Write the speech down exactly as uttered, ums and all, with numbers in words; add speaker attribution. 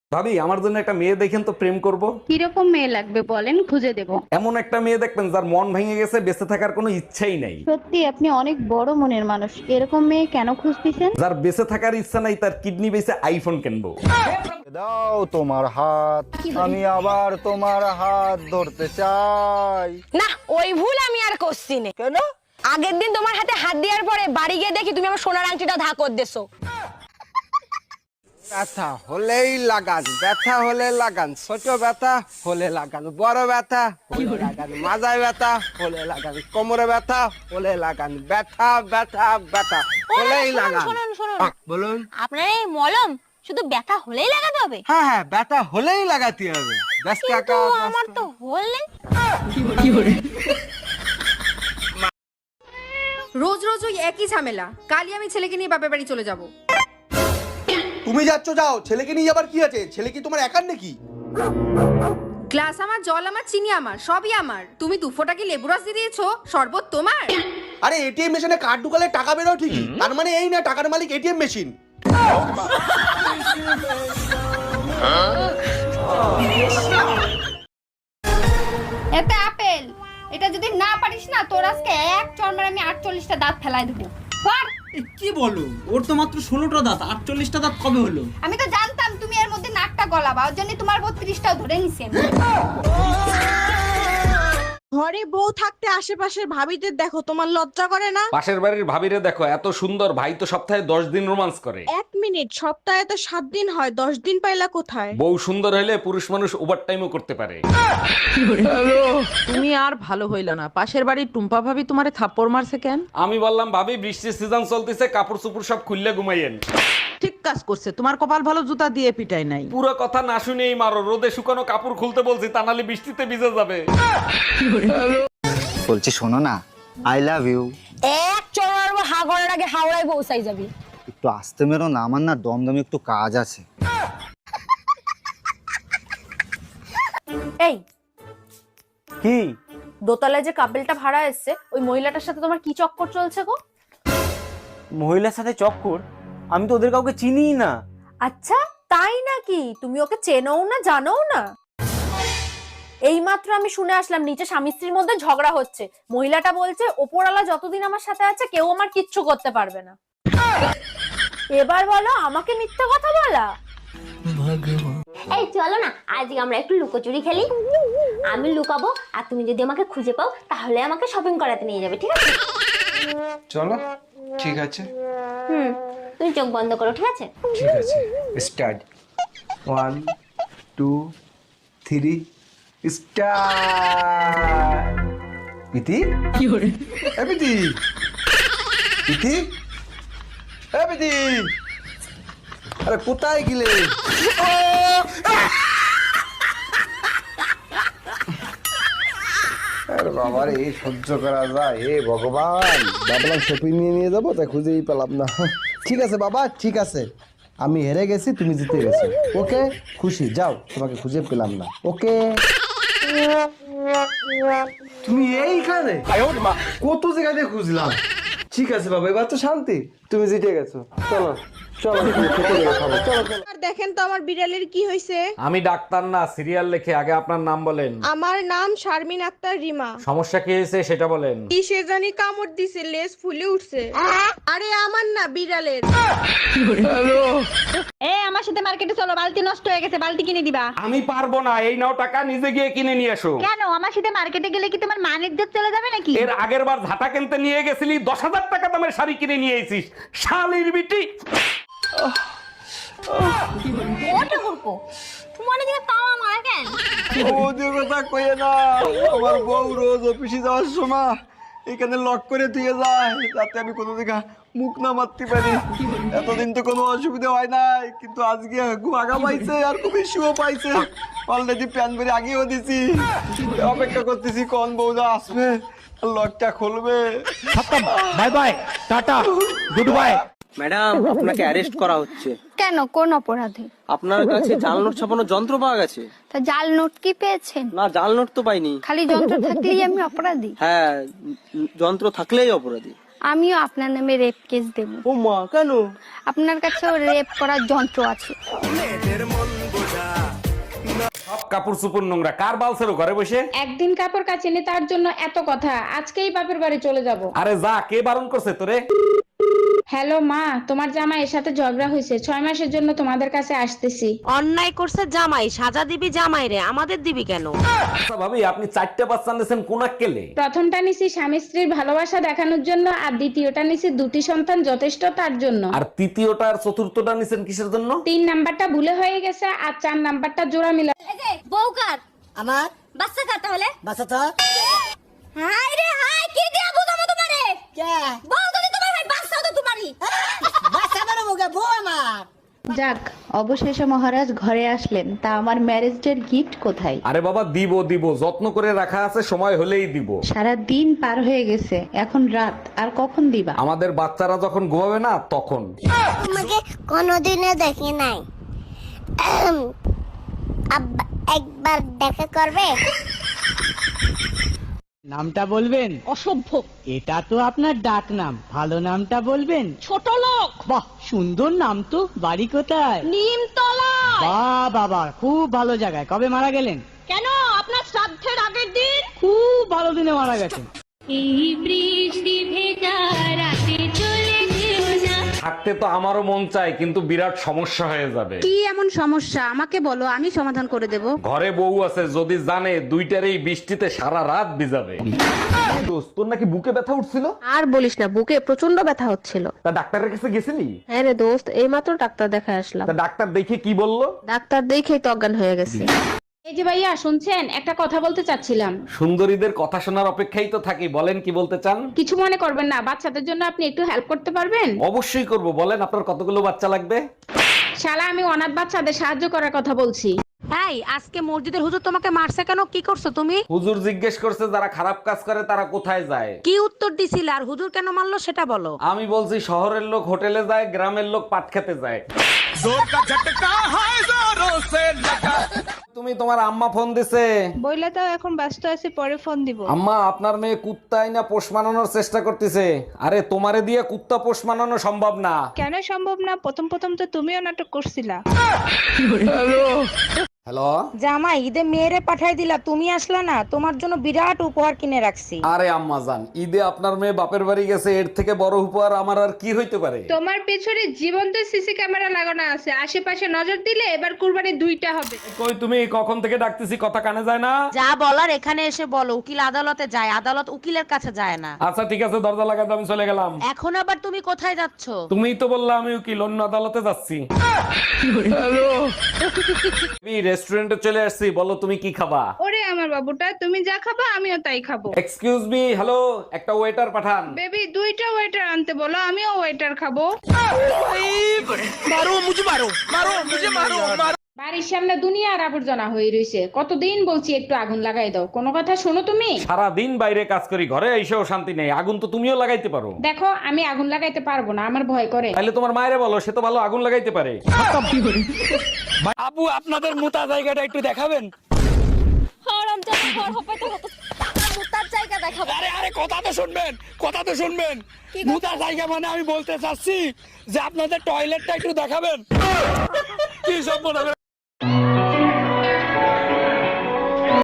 Speaker 1: ভাবি আমার জন্য একটা মেয়ে দেখেন তো, প্রেম করব।
Speaker 2: কিরকম মেয়ে লাগবে বলেন, খুঁজে দেব।
Speaker 1: এমন একটা মেয়ে দেখবেন যার মন ভেঙে গেছে, বেঁচে থাকার কোনো ইচ্ছাই নাই।
Speaker 2: সত্যি আপনি অনেক বড় মনের মানুষ, এরকম মেয়ে কেন খুঁজতেছেন?
Speaker 1: যার বেঁচে থাকার ইচ্ছা নাই, তার কিডনি বেঁচে আইফোন কিনবো।
Speaker 3: দাও তোমার হাত, আমি আবার তোমার হাত ধরতে চাই।
Speaker 4: না, ওই ভুল আমি আর করছি না।
Speaker 3: কেন?
Speaker 4: আগের দিন তোমার হাতে হাত দেওয়ার পরে বাড়ি গিয়ে দেখি তুমি আমার সোনার আংটিটা ধাকর দেছো।
Speaker 5: ব্যথা হলেই লাগান, ব্যথা হলে লাগান, ছোট ব্যথা হলে লাগান, বড় ব্যথা হলে লাগান, মাজায় ব্যথা হলে লাগান, কোমরে ব্যথা হলে লাগান, ব্যথা ব্যথা ব্যথা হলেই লাগান।
Speaker 4: শুনুন শুনুন,
Speaker 5: আহ, বলুন।
Speaker 4: আপনার এই মলম শুধু ব্যথা হলেই লাগাতে হবে?
Speaker 5: হ্যাঁ হ্যাঁ, ব্যথা হলেই লাগাতে হবে। ব্যস্ত
Speaker 4: কিন্তু
Speaker 5: একা
Speaker 4: আমার তো হলে।
Speaker 6: রোজ রোজ ওই একই ঝামেলা। কালই আমি ছেলেকে নিয়ে বাপের বাড়ি চলে যাব।
Speaker 7: তুমি যাচ্ছ যাও, ছেলেকে নিয়ে যাবার কি আছে? ছেলে কি তোমার একার নাকি?
Speaker 6: গ্লাস আমার, জল আমার, চিনি আমার, সবই আমার। তুমি দু ফোঁটা কি লেবু রস দিয়ে দিয়েছো? শরবত তোমার?
Speaker 7: আরে এটিএম মেশিনে কার্ড ঢুকালে টাকা বেরো ঠিকই, তার মানে এই না টাকার মালিক এটিএম মেশিন।
Speaker 2: এতে আপেল, এটা যদি না পারিস না, তোর আজকে এক চড় আমি আটচল্লিশটা দাঁত ফেলাই দেবো। কর।
Speaker 8: এ কি বলো, ওর তো মাত্র ষোলোটা দাঁত, আটচল্লিশটা দাঁত কবে হলো?
Speaker 2: আমি তো জানতাম তুমি এর মধ্যে নাকটা গলাবা, ওর জন্য তোমার বত্রিশটাও ধরে নিছি আমি।
Speaker 9: ঘরে বউ থাকতে আশেপাশের ভাবিদের দেখো, তোমার লজ্জা করে না?
Speaker 1: পাশের বাড়ির ভাবিরে দেখো, এত সুন্দর, ভাই তো সপ্তাহে দশ দিন রোমান্স করে।
Speaker 9: এক মিনিট, সপ্তাহে তো সাত দিন হয়, দশ দিন পাইলা কোথায়?
Speaker 1: বউ সুন্দর হলে পুরুষ মানুষ ওভার টাইমও করতে পারে।
Speaker 10: তুমি আর ভালো হইল না। পাশের বাড়ির টুম্পা ভাবি তোমারে থাপ্পড় মারছে কেন?
Speaker 1: আমি বললাম ভাবি বৃষ্টির সিজন চলতেছে, কাপড় চুপড় সব খুললে ঘুমাইয়েন।
Speaker 10: ঠিক কাজ করছে, তোমার কপাল ভালো, জুতা দিয়ে পিটাই নাই।
Speaker 1: পুরো কথা না শুনেই মারো, রোদে শুকানো কাপড় খুলতে বলছি, তা নাহলে বৃষ্টিতে ভিজে যাবে।
Speaker 3: বলছি শোনো না, আই লাভ ইউ।
Speaker 4: এক চড়ার হা করার আগে হাওড়ায় পৌঁছাই যাবি।
Speaker 3: একটু আসতে মেরো না, আমার না দমদমে একটু কাজ আছে।
Speaker 4: এই
Speaker 5: কি?
Speaker 4: দোতলায় যে কাপেলটা ভাড়া এসছে, ওই মহিলাটার সাথে তোমার কি চক্কর চলছে গো?
Speaker 5: মহিলার সাথে চক্কর? আমি তো ওদের কাউকে চিনিই না।
Speaker 4: আচ্ছা তাই নাকি? তুমি ওকে চেনও না, জানোও না? এইমাত্র আমি শুনে আসলাম নিচে স্বামী স্ত্রীর মধ্যে ঝগড়া হচ্ছে। মহিলাটা বলছে ওপরওয়ালা যতদিন আমার সাথে আছে কেউ আমার কিচ্ছু করতে পারবে না। এবার বলো আমাকে মিথ্যা কথা বলা।
Speaker 11: এই চলো না, আজকে আমরা একটু লুকোচুরি খেলি। আমি লুকাবো আর তুমি যদি আমাকে খুঁজে পাও তাহলে আমাকে শপিং করাতে নিয়ে যাবে, ঠিক আছে?
Speaker 5: চলো, ঠিক আছে।
Speaker 11: হুম, তুমি চোখ বন্ধ করো, ঠিক আছে?
Speaker 5: ঠিক আছে, start. One two three start. ইতি কি করে? এ বিতি, ইতি, এ বিতি, আরে কোথায় গেলে? আরে বাবা রে, সহ্য করা যায়? হে ভগবান, ভাবলাম শপিং নিয়ে নিয়ে যাবো, তাই খুঁজেই পেলাম না। ঠিক আছে বাবা, ঠিক আছে, আমি হেরে গেছি, তুমি জিতে গেছো। ওকে, খুশি, যাও, তোমাকে খুঁজে পেলাম না। ওকে, তুমি এইখানে? কত জায়গায় খুঁজলাম। ঠিক আছে বাবা, এবার তো শান্তি, তুমি জিতে গেছো। চলো চলো, খেতে গেলে খাবো। চলো চলো।
Speaker 9: আর দেখেন তো আমার বিড়ালের কি হয়েছে।
Speaker 1: আমি ডাক্তার না, সিরিয়াল লেখে। আগে আপনার নাম বলেন।
Speaker 9: আমার নাম শারমিন আক্তার রিমা।
Speaker 1: সমস্যা কি হয়েছে সেটা বলেন।
Speaker 9: কি সে জানি কামড় দিছে, লেজ ফুলে উঠছে। আরে আমার না, বিড়ালের।
Speaker 2: এ আমার সাথে মার্কেটে চলো, বালতি নষ্ট হয়ে গেছে, বালতি কিনে দিবা।
Speaker 1: আমি পারবো না, এই নাও টাকা, নিজে গিয়ে কিনে নিয়ে এসো।
Speaker 2: কেন? আমার সাথে মার্কেটে গেলে কি তোমার মানের ইজ্জত চলে যাবে নাকি?
Speaker 1: এর আগের বার ঝাঁটা কিনতে নিয়ে গেছিলি, দশ হাজার টাকা দামের শাড়ি কিনে নিয়ে এসিস, শালির বিটি।
Speaker 4: ওটা করবো তোমার দিকে তাওয়া মারা কেন?
Speaker 5: ওদের কথা কইে না, আমার বউ রোজ অফিসে যাওয়ার সময় এখানে লক করে দিয়ে যায়, যাতে আমি কোনো দিকে মুখ না মারতে পারি। এতদিন তো কোনো অসুবিধা হয় নাই, কিন্তু আজকে খুব আগা পাইছে আর খুব ইস্যুও পাইছে। অলরেডি প্যান বেরি আগেও দিছি, অপেক্ষা করতেছি কোন বউদা আসবে লকটা খুলবে।
Speaker 8: Bye bye, tata, good bye.
Speaker 5: Madam, আপনাকে অ্যারেস্ট করা হচ্ছে।
Speaker 2: কেন? কোন অপরাধে?
Speaker 5: আপনার কাছে জাল নোট ছাপানোর যন্ত্র পাওয়া গেছে।
Speaker 2: তা জাল নোট কি পেয়েছেন?
Speaker 5: না, জাল নোট তো পাইনি।
Speaker 2: খালি যন্ত্র থাকলেই আমি অপরাধী?
Speaker 5: হ্যাঁ, যন্ত্র থাকলেই অপরাধী।
Speaker 2: আমিও আপনার নামে রেপ কেস দেব।
Speaker 5: ও মা, কেন?
Speaker 2: আপনার কাছেও রেপ করার যন্ত্র আছে।
Speaker 1: কাপড় চুপুর নোংরা, কার বালছেরো ঘরে বসে?
Speaker 9: একদিন কাপড় কাচিনি তার জন্য এত কথা, আজকেই বাপের বাড়ি চলে যাব।
Speaker 1: আরে যা, কে বারণ করছে তোরে?
Speaker 9: হ্যালো মা, তোমার জামাইয়ের সাথে ঝগড়া হয়েছে, ছয় মাসের জন্য তোমাদের কাছে আসতেছি।
Speaker 6: অন্যায় করছে জামাই, সাজা দিবি জামাই রে, আমাদের দিবি কেন?
Speaker 1: আচ্ছা ভাবি, আপনি চারটা বাচ্চা নিয়েছেন কোন আক্কেলে?
Speaker 9: প্রথমটা নিছি স্বামী স্ত্রীর ভালোবাসা দেখানোর জন্য, আর দ্বিতীয়টা নিছি দুটি সন্তান যথেষ্ট তার জন্য।
Speaker 1: আর তৃতীয়টা আর চতুর্থটা নিছেন কিসের জন্য?
Speaker 9: তিন নাম্বারটা ভুলে হয়ে গেছে, আর চার নাম্বারটা জোড়া মিলা।
Speaker 11: বউকার
Speaker 2: আমার
Speaker 11: বাচ্চা কার তাহলে?
Speaker 2: বাসা তো
Speaker 11: হাই রে হাই, কি দিয়া বুঝাবো তোমারে?
Speaker 2: কে
Speaker 11: বউ যদি তোমার হয়, বাচ্চা তো তোমারই।
Speaker 2: বাসা বড় মুখে বউ আমার।
Speaker 9: যাক, অবশেষে মহারাজ ঘরে আসলেন, তা আমার ম্যারেজ ডের গিফট কোথায়?
Speaker 1: আরে বাবা দিব দিব, যত্ন করে রাখা আছে, সময় হলেই দিব।
Speaker 9: সারা দিন পার হয়ে গেছে, এখন রাত, আর কখন দিবা?
Speaker 1: আমাদের বাচ্চারা যখন ঘুমাবে না তখন।
Speaker 11: তোমাকে কোনোদিনও দেখি নাই, আব্বা একবার দেখা করবে?
Speaker 8: নামটা বলবেন?
Speaker 2: অসভ্য।
Speaker 8: এটা তো আপনার ডাক নাম, ভালো নামটা বলবেন?
Speaker 2: ছোট লোক।
Speaker 8: বাহ, সুন্দর নাম তো। বাড়ি কোথায়?
Speaker 2: নিমতলা।
Speaker 8: বাহ বাবা, খুব ভালো জায়গায়। কবে মারা গেলেন?
Speaker 2: কেন, আপনার শ্রাদ্ধের আগের দিন।
Speaker 8: খুব ভালো দিনে মারা গেছেন।
Speaker 2: এই বৃষ্টি ভেজা রাতে চলে যেও না।
Speaker 1: থাকতে তো আমারও মন চায়, কিন্তু বিরাট সমস্যা হয়ে যাবে।
Speaker 6: কি এমন সমস্যা আমাকে বলো, আমি সমাধান করে দেব।
Speaker 1: ঘরে বউ আছে, যদি জানে দুইটারই বৃষ্টিতে সারা রাত ভিজাবে। দোস্ত, তোর নাকি বুকে ব্যথা উঠছিল?
Speaker 6: আর বলিস না, বুকে প্রচন্ড ব্যথা হচ্ছিল।
Speaker 1: তা ডাক্তারের কাছে গেছিলি?
Speaker 6: হ্যাঁ রে দোস্ত, এইমাত্র ডাক্তার দেখায় আসলাম।
Speaker 1: তা ডাক্তার দেখে কি বললো?
Speaker 6: ডাক্তার দেখেই তো অজ্ঞান হয়ে গেছে।
Speaker 9: এই যে ভাইয়া শুনছেন, একটা কথা বলতে চাচ্ছিলাম।
Speaker 1: সুন্দরীদের কথা শোনার অপেক্ষাই তো থাকি, বলেন কি বলতে চান?
Speaker 9: কিছু মনে করবেন না, বাচ্চাদের জন্য আপনি একটু হেল্প করতে পারবেন?
Speaker 1: অবশ্যই করব, বলেন আপনার কতগুলো বাচ্চা লাগবে?
Speaker 9: শালা, আমি অনাথ বাচ্চাদের সাহায্য করার কথা বলছি।
Speaker 6: এই, আজকে মসজিদের হুজুর তোমাকে মারছে কেন? কি করছো তুমি?
Speaker 1: হুজুর জিজ্ঞেস করছে যারা খারাপ কাজ করে তারা কোথায় যায়।
Speaker 6: কি উত্তর দিছিলে, আর হুজুর কেন মারলো সেটা বলো।
Speaker 1: আমি বলছি শহরের লোক হোটেলে যায়, গ্রামের লোক পাট খেতে যায়। তুমি, তোমার আম্মা ফোন দিছে।
Speaker 9: বইলে তো এখন ব্যস্ত আছি, পরে ফোন দিব।
Speaker 1: আম্মা, আপনার মেয়ে কুত্তাই না পোষ মানানোর চেষ্টা করতেছে। আরে তোমারে দিয়ে কুত্তা পোষ মানানো সম্ভব না।
Speaker 9: কেন সম্ভব না? প্রথম প্রথম তো তুমিও নাটক করছিলা।
Speaker 1: হ্যালো
Speaker 6: জামাই, ঈদে মেয়েরে পাঠাই দিলা, তুমি আসলা না। তোমার জন্য বিরাট উপহার কিনে রাখছি।
Speaker 1: আরে আম্মা জান, ঈদে আপনার মেয়ে বাপের বাড়ি গেছে, এর থেকে বড় উপহার আমার আর কি হইতে পারে?
Speaker 9: তোমার পেছনে জীবন্ত সিসি ক্যামেরা লাগানো আছে, আশেপাশে নজর দিলে এবার কুরবানি দুইটা হবে।
Speaker 1: কই তুমি, কখন থেকে ডাকতেছি, কথা কানে যায় না?
Speaker 6: যা বলার এখানে এসে বলো। উকিল আদালতে যায়, আদালত উকিলের কাছে যায় না।
Speaker 1: আচ্ছা ঠিক আছে, দরজা লাগাতে আমি চলে গেলাম।
Speaker 6: এখন আবার তুমি কোথায় যাচ্ছ?
Speaker 1: তুমিই তো বললা আমি উকিল, অন্য আদালতে যাচ্ছি। রেস্টুরেন্টে চলে আসছি, বলো তুমি কি খাবা?
Speaker 9: ওরে আমার বাবুটা, তুমি যা খাবা আমিও তাই খাবো।
Speaker 1: এক্সকিউজ মি, হ্যালো, একটা ওয়েটার পাঠান।
Speaker 9: বেবি, দুইটা ওয়েটার আনতে বলো, আমিও ওয়েটার খাবো। বাড়ির সামনে দুনিয়ার আবর্জনা হয়ে রয়েছে, কতদিন বলছি একটু আগুন লাগাই দাও, কোনো কথা শোনো তুমি?
Speaker 1: সারা দিন বাইরে কাজ করি, ঘরে এসেও শান্তি নেই। আগুন তো তুমিও লাগাইতে পারো।
Speaker 9: দেখো, আমি আগুন লাগাইতে পারবো না, আমার ভয় করে।
Speaker 1: তাহলে তোমার মায়েরে বলো, সে তো ভালো আগুন লাগাইতে পারে।
Speaker 8: আবু, আপনাদের মোটা জায়গাটা একটু দেখাবেন?
Speaker 2: জায়গা দেখাবো।
Speaker 8: আরে আরে, কথা তো শুনবেন, কথা তো শুনবেন। মোটা জায়গা মানে আমি বলতে চাচ্ছি যে আপনাদের টয়লেটটা একটু দেখাবেন। কি সব মনে